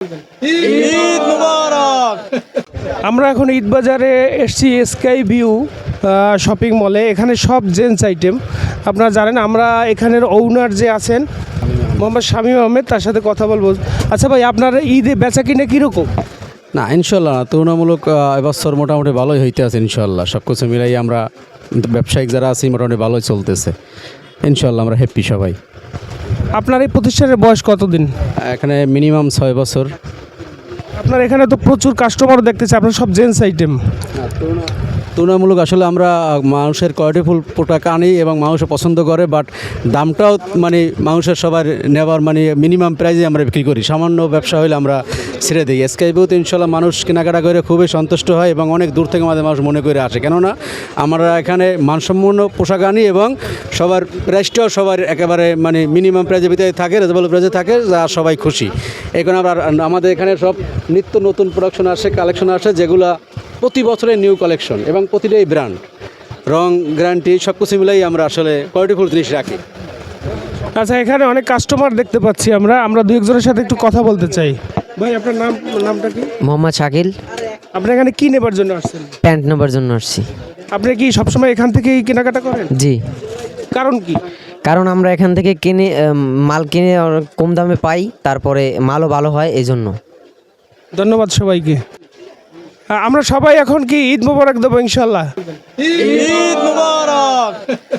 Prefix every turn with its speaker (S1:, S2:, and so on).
S1: ঈদ মুবারক।
S2: আমরা এখন ঈদ বাজারে এসছি স্কাই ভিউ শপিং মলে। এখানে সব জেন্টস আইটেম আপনারা জানেন। আমরা এখানের ওনার যে আছেন মোহাম্মদ শামীম আহমেদ, তার সাথে কথা বলবো। আচ্ছা ভাই, আপনার ঈদে বেচা কিনে কীরকম?
S1: না ইনশাল্লাহ তুলনামূলক এবছর মোটামুটি ভালোই হইতে আছে ইনশাল্লাহ। সব কিছু মিলাই আমরা ব্যবসায়িক যারা আছি মোটামুটি ভালোই চলতেছে ইনশাল্লাহ। আমরা হ্যাপি সবাই।
S2: আপনার এই প্রতিষ্ঠানের বয়স কতদিন?
S1: এখানে মিনিমাম 6 বছর।
S2: আপনার এখানে তো প্রচুর কাস্টমার দেখতেছে, আপনার সব জেন্টস আইটেম।
S1: তুলনামূলক আসলে আমরা মানুষের কোয়ালিটিফুল প্রোডাক্ট আনি এবং মানুষে পছন্দ করে, বাট দামটাও মানে মানুষের সবার নেওয়ার মানে মিনিমাম প্রাইসে আমরা বিক্রি করি। সামান্য ব্যবসা হলে আমরা ছেড়ে দিই। স্কাই ভিউতে ইনশাল্লাহ মানুষ কেনাকাটা করে খুবই সন্তুষ্ট হয় এবং অনেক দূর থেকে আমাদের মানুষ মনে করে আসে, কেননা আমরা এখানে মানসম্পন্ন পোশাক আনি এবং সবার প্রাইসটাও সবার একেবারে মানে মিনিমাম প্রাইসের ভিতরে থাকে, রিজনেবল প্রাইসে থাকে, যা সবাই খুশি। এখন আমরা আমাদের এখানে সব নিত্য নতুন প্রোডাকশন আসে, কালেকশন আসে, যেগুলা প্রতি বছরের নিউ কালেকশন এবং প্রতিটাই ব্র্যান্ড, রং, গ্যারান্টি সব কিছু মিলাই আমরা আসলে কোয়ালিটিফুল জিনিস রাখি।
S2: আচ্ছা, এখানে অনেক কাস্টমার দেখতে পাচ্ছি আমরা দু একজনের সাথে একটু কথা বলতে চাই। ভাই, আপনার নামটা কি?
S3: মোহাম্মদ শাকিল।
S2: আপনি এখানে কি নেবার জন্য আসছেন?
S3: প্যান্ট নেবার জন্য আসছি।
S2: আপনি কি সবসময় এখান থেকেই কেনাকাটা করেন?
S3: জি।
S2: কারণ কি?
S3: কারণ আমরা এখান থেকে কিনে মাল কিনে কম দামে পাই, তারপরে মালও ভালো হয়, এই জন্য।
S2: ধন্যবাদ সবাইকে। আমরা সবাই এখন কি ঈদ মোবারক দেবো ইনশাল্লাহ।
S1: ঈদ মুবারক।